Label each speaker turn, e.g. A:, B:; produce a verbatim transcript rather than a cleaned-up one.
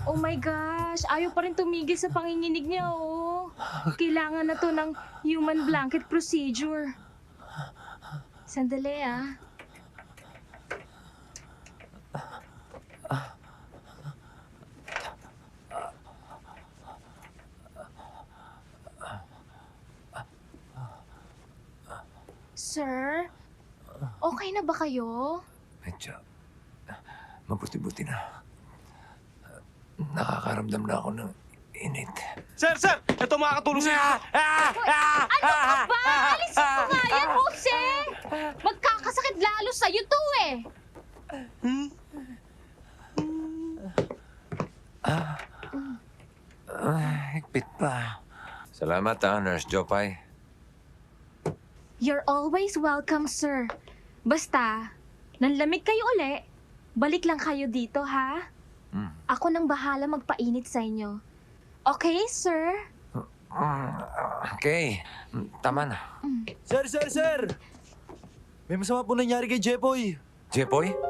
A: Oh my gosh, ayaw pa rin tumigil sa panginginig niya, oh. Kailangan na to ng human blanket procedure. Sandali, ah. Sir, okay na ba kayo?
B: Medyo, mabuti-buti na. Nakakaramdam na ako ng init.
C: Sir, sir! Ito makakatulong sa inyo.
A: Ano ka ba? Alisin mo nga yan, Jose! Magkakasakit lalo sa'yo to eh!
B: Ah, higpit pa. Salamat ha, Nurse Jopay.
A: You're always welcome, sir. Basta, nanlamig kayo uli, balik lang kayo dito, ha?
B: Hmm.
A: Ako nang bahala magpainit sa inyo. Okay, sir?
B: Mm, okay, Mm, tama na.
D: Sir, sir, sir! May masama po nangyari kay Jepoy.
B: Jepoy?